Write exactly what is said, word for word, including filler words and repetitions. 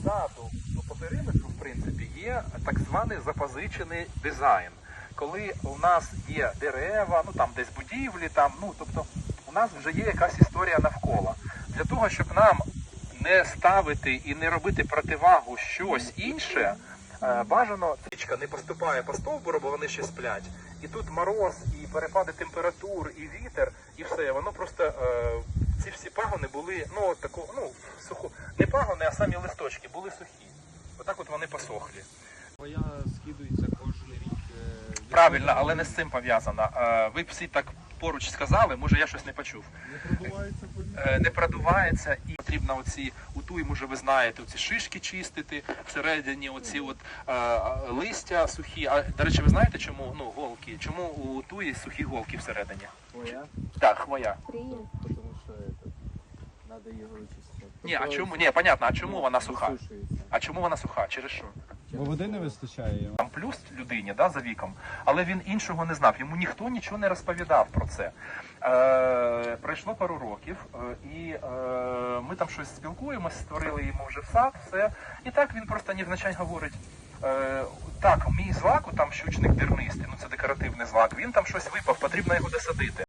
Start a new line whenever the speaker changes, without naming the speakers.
саду, ну, по периметру, в принципі, є так званий запозичений дизайн. Коли у нас є дерева, ну там десь будівлі, там, ну, тобто у нас вже є якась історія навколо. Для того, щоб нам не ставити і не робити противагу щось інше, е, бажано річка не поступає по стовбуру, бо вони ще сплять. І тут мороз, і перепади температур, і вітер, і все. Воно просто, е, ці всі пагони були, ну, таку, ну, суху, не пагони, а самі листочки були сухі. Отак от вони посохлі.
Моя скидується кожен рік.
Правильно, але не з цим пов'язано. Е, Ви всі так поруч сказали, може я щось не почув.
Не продувається політ.
Е, Не продувається і потрібно оці, у туї, може ви знаєте, оці шишки чистити, всередині оці от е, листя сухі. А, до речі, ви знаєте, чому, ну, голки, чому у туї сухі голки всередині?
Хвоя?
Так, хвоя.
Привет.
Тому що это, надо його вичистити.
Ні, а чому? Ні, понятно, а чому вона суха?
Висушується.
А чому вона суха? Через що?
Бо води не вистачає.
Там плюс людині, да, за віком, але він іншого не знав. Йому ніхто нічого не розповідав про це. Е, пройшло пару років, е, і е, ми там щось спілкуємось, створили йому вже сад, все. І так він просто невзначай говорить, е, так, мій злак, там щучник дернистий, ну це декоративний злак, він там щось випав, потрібно його досадити.